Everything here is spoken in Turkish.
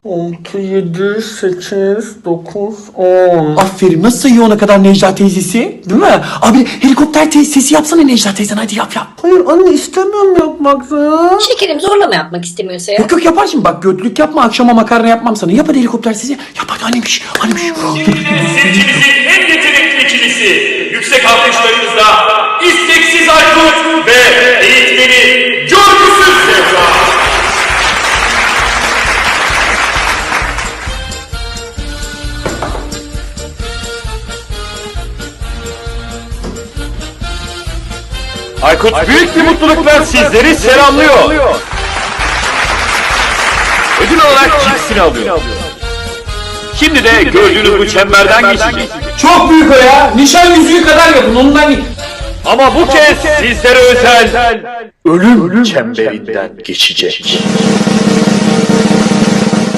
6, 7, 8, 9, 10. Aferin, nasıl sayıyor ona kadar Necla teyzesi? Değil mi? Abi helikopter sesi yapsana Necla teyzen, hadi yap. Hayır anne, istemiyorum yapmak ya. Şekerim, zorlama yapmak istemiyorsa ya. Yok yapar şimdi, bak götlük yapma, akşama makarna yapmam sana. Yap hadi helikopter sesi. Yap hadi annemiş. Şimdi de seçimizin en yetenekli ikilisi, yüksek alkışlarınızla isteksiz Aykut ve eğitmeni Görgüsüz Zehra. Aykut büyük bir mutlulukla sizleri selamlıyor. Ödül olarak cipsini alıyor. Şimdi de gördüğünüz bu çemberden geçecek. Çok büyük o ya. Nişan yüzüğü kadar yapın ondan. Ama bu kez sizlere özel ölüm çemberinden geçecek.